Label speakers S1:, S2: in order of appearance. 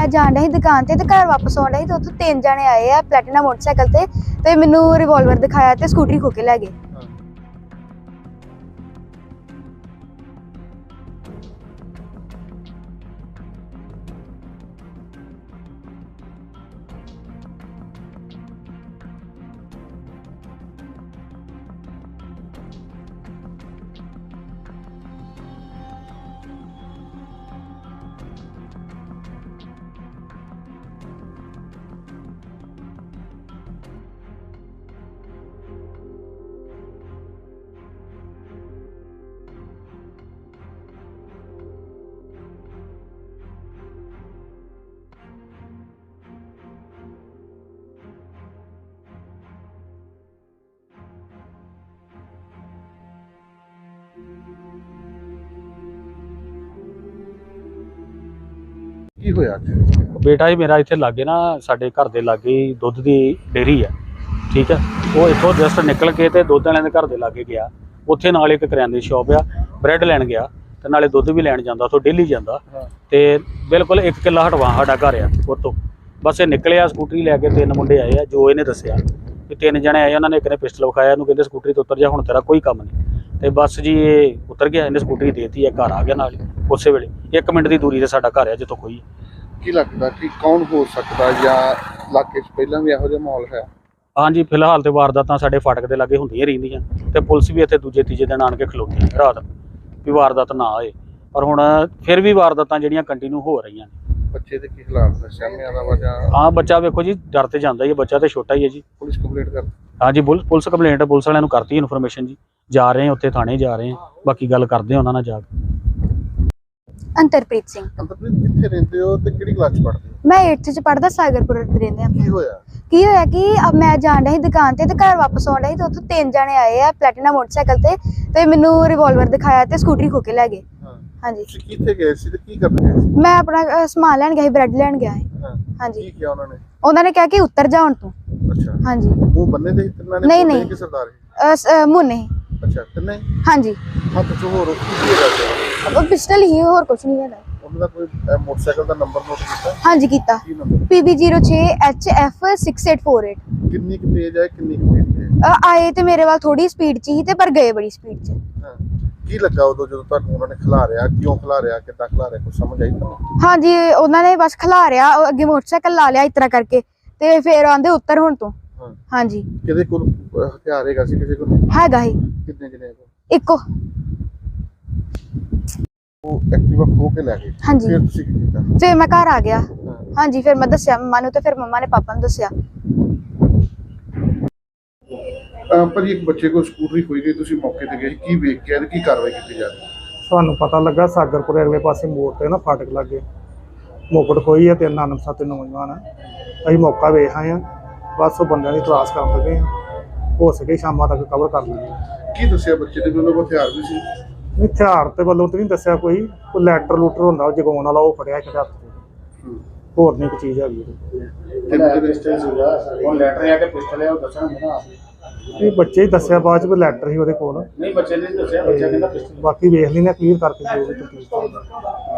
S1: मैं जान रही दुकान ते घर वापस आउण रही तो उत्थों 3 जने आए आ प्लैटिना मोटरसाइकिल ते मैनू रिवॉल्वर दिखाया ते स्कूटरी खो के लै गए।
S2: ਕੀ ਹੋਇਆ?
S3: ਬੇਟਾ ਜੀ ਮੇਰਾ ਇੱਥੇ ਲਾਗੇ ਨਾ ਸਾਡੇ ਘਰ ਦੇ ਲਾਗੇ ਹੀ ਦੁੱਧ ਦੀ ਡੇਅਰੀ ਹੈ, ਠੀਕ ਹੈ। ਉਹ ਇੱਥੋਂ ਜਸਟ ਨਿਕਲ ਕੇ ਤੇ ਦੁੱਧ ਵਾਲਿਆਂ ਦੇ ਘਰ ਦੇ ਲਾਗੇ ਗਿਆ। ਉੱਥੇ ਨਾਲ ਇੱਕ ਕਰਿਆਨੇ ਦੀ ਸ਼ਾਪ ਆ, ਬ੍ਰੈਡ ਲੈਣ ਗਿਆ ਤੇ ਨਾਲੇ ਦੁੱਧ ਵੀ ਲੈਣ ਜਾਂਦਾ, ਉੱਥੋਂ ਡੇਲੀ ਜਾਂਦਾ। ਤੇ ਬਿਲਕੁਲ 1 ਕਿੱਲਾ ਹਟਵਾ ਸਾਡਾ ਘਰ ਆ ਉੱਥੋਂ। ਬਸ ਇਹ ਨਿਕਲਿਆ ਸਕੂਟਰੀ ਲੈ ਕੇ, 3 ਮੁੰਡੇ ਆਏ ਆ ਜੋ ਇਹਨੇ ਦੱਸਿਆ ਵੀ 3 ਜਣੇ ਆਏ। ਉਹਨਾਂ ਨੇ ਇੱਕ ਨੇ ਪਿਸਟਲ ਵਿਖਾਇਆ, ਇਹਨੂੰ ਕਹਿੰਦੇ ਸਕੂਟਰੀ ਤੋਂ ਉਤਰ ਜਾ, ਹੁਣ ਤੇਰਾ ਕੋਈ ਕੰਮ ਨਹੀਂ। ਤੇ ਬਸ ਜੀ ਇਹ ਉਤਰ ਗਿਆ, ਇਹਨੇ ਸਕੂਟਰੀ ਦੇਤੀ, ਘਰ ਆ ਗਿਆ ਨਾਲ ਉਸੇ ਵੇਲੇ। 1 ਮਿੰਟ ਦੀ ਦੂਰੀ ਤੇ ਸਾਡਾ ਘਰ ਆ ਜਿੱਥੋਂ ਕੋਈ।
S2: ਕੀ ਲੱਗਦਾ ਕਿ ਕੌਣ ਹੋ ਸਕਦਾ ਜਾਂ ਇਲਾਕੇ 'ਚ ਪਹਿਲਾਂ ਵੀ ਇਹੋ ਜਿਹਾ ਮਾਹੌਲ ਹੈ?
S3: ਹਾਂਜੀ, ਫਿਲਹਾਲ ਤੇ ਵਾਰਦਾਤਾਂ ਸਾਡੇ ਫਾਟਕ ਦੇ ਲਾਗੇ ਹੁੰਦੀਆਂ ਰਹਿੰਦੀਆਂ ਤੇ ਪੁਲਿਸ ਵੀ ਇੱਥੇ ਦੂਜੇ ਤੀਜੇ ਦਿਨ ਆਣ ਕੇ ਖਲੋਤੀ ਹੈ ਰਾਤ ਵੀ ਵਾਰਦਾਤ ਨਾ ਹੋਏ। ਪਰ ਹੁਣ ਫਿਰ ਵੀ ਵਾਰਦਾਤਾਂ ਜਿਹੜੀਆਂ ਕੰਟੀਨਿਊ ਹੋ ਰਹੀਆਂ ਨੇ।
S2: ਬੱਚੇ ਦੇ ਕੀ ਹਾਲਾਤ ਨੇ? ਸਾਹਮਣੇ ਆਦਾ ਵਾ ਜਾਂ?
S3: ਹਾਂ, ਬੱਚਾ ਵੇਖੋ ਜੀ ਡਰ ਤੇ ਜਾਂਦਾ ਹੀ ਹੈ, ਬੱਚਾ ਤੇ ਛੋਟਾ ਹੀ ਹੈ ਜੀ।
S2: ਪੁਲਿਸ ਕੰਪਲੇਂਟ ਕਰ?
S3: ਹਾਂਜੀ, ਪੁਲਿਸ ਕੰਪਲੇਂਟ ਪੁਲਿਸ ਵਾਲਿਆਂ ਨੂੰ ਕਰਤੀ ਇਨਫੋਰਮੇਸ਼ਨ ਜੀ। ਜਾ ਰਹੇ ਹਾਂ ਉੱਥੇ ਥਾਣੇ ਜਾ ਰਹੇ ਹਾਂ, ਬਾਕੀ ਗੱਲ ਕਰਦੇ ਹਾਂ ਉਹਨਾਂ ਨਾਲ ਜਾ ਕੇ।
S1: अंतरप्रीत सिंह।
S2: ਅੰਤਰਪ੍ਰੀਤ ਕਿੱਥੇ ਰਹਿੰਦੇ ਹੋ ਤੇ ਕਿਹੜੀ ਕਲਾਸ 'ਚ ਪੜ੍ਹਦੇ ਹੋ?
S1: मैं 8th च पढ़दा सागरपुर रहंदे
S2: ਕੀ ਹੋਇਆ?
S1: की होया कि अब मैं जान रही दुकान ते घर वापस आउण रही तो उत्थों 3 जने आए आ प्लैटिना मोटरसाइकिल ते मैनू रिवॉल्वर दिखाया ते स्कूटरी खो के लै गए। हाँ जी।
S2: ਤੁਸੀਂ ਕਿੱਥੇ ਗਏ ਸੀ ਤੇ ਕੀ ਕਰਨ ਗਏ ਸੀ?
S1: मैं अपना समान लैन गया, ब्रेड लैन गया है।
S2: ਹਾਂ।
S1: हाँ जी।
S2: ਕੀ ਕਿਹਾ ਉਹਨਾਂ ਨੇ?
S1: उन्होंने कहा कि उतर जा हुण तू।
S2: ਅੱਛਾ।
S1: हाँ जी।
S2: ਉਹ ਬੰਨੇ ਦੇ ਤਿੰਨਾਂ ਨੇ?
S1: ਨਹੀਂ, ਨਹੀਂ।
S2: ਕਿ ਸਰਦਾਰ ਹੈ?
S1: मुन्ने।
S2: ਅੱਛਾ, ਤਿੰਨੇ?
S1: हाँ जी।
S2: ਹੱਥ 'ਚ ਹੋਰ ਕੀ ਹੈਗਾ?
S1: अब पिस्टल ही और कुछ नहीं है।
S2: ਉਹਨਾਂ ਦਾ ਕੋਈ ਮੋਟਰਸਾਈਕਲ ਦਾ ਨੰਬਰ ਨੋਟ ਕੀਤਾ?
S1: हाँ जी कीता।
S2: ਕੀ ਨੰਬਰ?
S1: PB06HF6848।
S2: ਕਿੰਨੀ ਕੁ ਤੇਜ਼ ਹੈ, ਕਿੰਨੀ ਕੁ ਤੇਜ਼ ਹੈ?
S1: आए ते मेरे वाल थोड़ी स्पीड च ही ते पर गए बड़ी स्पीड च।
S2: ਹਾਂ। ਕੀ ਲੱਗਾ ਉਦੋਂ ਜਦੋਂ ਤੁਹਾਨੂੰ ਉਹਨਾਂ ਨੇ ਖਿਲਾਰਿਆ? ਕਿਉਂ ਖਿਲਾਰਿਆ, ਕਿੱਦਾਂ ਖਿਲਾਰਿਆ, ਕੁਝ ਸਮਝ ਆਈ ਤੁਹਾਨੂੰ?
S1: हाँ जी, उन्होंने बस खिलारिया, अगे मोटरसाइकिल ला लिया इस तरह करके ते फिर आंदे उतर हुण तू।
S2: ਹਾਂ।
S1: हाँ जी।
S2: ਕਿਹਦੇ ਕੋਲ ਹਥਿਆਰ ਹੈਗਾ ਸੀ? ਕਿਸੇ ਕੋਲ?
S1: हैगा ही
S2: ਕਿੰਨੇ ਜਣੇ ਹੈਗੇ?
S1: इको।
S2: ਉਹ ਐਕਟਿਵਾ ਖੋ ਕੇ ਲੈ ਗਏ।
S1: हाँ जी।
S2: ਫਿਰ ਤੁਸੀਂ ਕੀ ਕੀਤਾ?
S1: फिर मैं घर आ गया।
S2: ਹਾਂ।
S1: हाँ जी, फिर मैं दस्या मम्मा नूं ते फिर मम्मा ने पापा नूं दस्या।
S2: ਭਾਜੀ ਇੱਕ ਬੱਚੇ ਕੋਲ ਸਕੂਟਰੀ ਖੋਈ ਗਈ, ਤੁਸੀਂ ਮੌਕੇ ਤੇ ਗਏ, ਕੀ ਵੇਖ ਕੇ ਆਏ, ਕੀ ਕਾਰਵਾਈ ਕੀਤੀ ਜਾ ਰਹੀ ਹੈ?
S4: ਸਾਨੂੰ ਪਤਾ ਲੱਗਾ ਸਾਗਰਪੁਰ ਅਗਲੇ ਪਾਸੇ ਮੋੜ ਤੇ ਨਾ ਫਾਟਕ ਲੱਗੇ ਮੋਕੜ ਖੋਈ ਹੈ, 3 ਅਣਪਛਾਤੇ ਨੌਜਵਾਨ ਆ। ਅਸੀਂ ਮੌਕਾ ਵੇਖ ਆਏ ਹਾਂ, ਬਸ ਉਹ ਬੰਦਿਆਂ ਦੀ ਤਲਾਸ਼ ਕਰਨ ਲੱਗੇ ਹਾਂ। ਹੋ ਸਕੇ ਸ਼ਾਮਾਂ ਤੱਕ ਕਵਰ ਕਰ ਲਈਏ।
S2: ਕੀ ਦੱਸਿਆ ਬੱਚੇ ਦੇ ਕੋਲ ਹਥਿਆਰ ਵੀ ਸੀ?
S4: ਹਥਿਆਰ ਤੇ ਵੱਲੋਂ ਤੇ ਨਹੀਂ ਦੱਸਿਆ ਕੋਈ ਲੈਟਰ ਲੂਟਰ ਹੁੰਦਾ ਉਹ ਜਗਾਉਣ ਵਾਲਾ, ਉਹ ਫੜਿਆ ਇੱਕ ਹੱਥ ਤੇ। ਹੋਰ ਨਹੀਂ ਕੋਈ ਚੀਜ਼ ਹੈਗੀ।
S3: ਲੈਟਰ ਆ ਕੇ ਪਿਸਟਲ ਹੈ ਉਹ ਦੱਸਣਗੇ ਨਾ।
S4: ਇਹ ਬੱਚੇ ਹੀ ਦੱਸਿਆ ਬਾਅਦ ਚ ਵੀ ਲੈਟਰ ਸੀ ਉਹਦੇ ਕੋਲ।
S3: ਨਹੀਂ, ਬੱਚੇ ਨੇ ਦੱਸਿਆ, ਬੱਚਾ ਕਹਿੰਦਾ ਪਿਸਟਲ।
S4: ਬਾਕੀ ਵੇਖ ਲੈਂਦੇ ਕਲੀਅਰ ਕਰਕੇ ਜੋ ਵੀ ਤਕਲੀਫ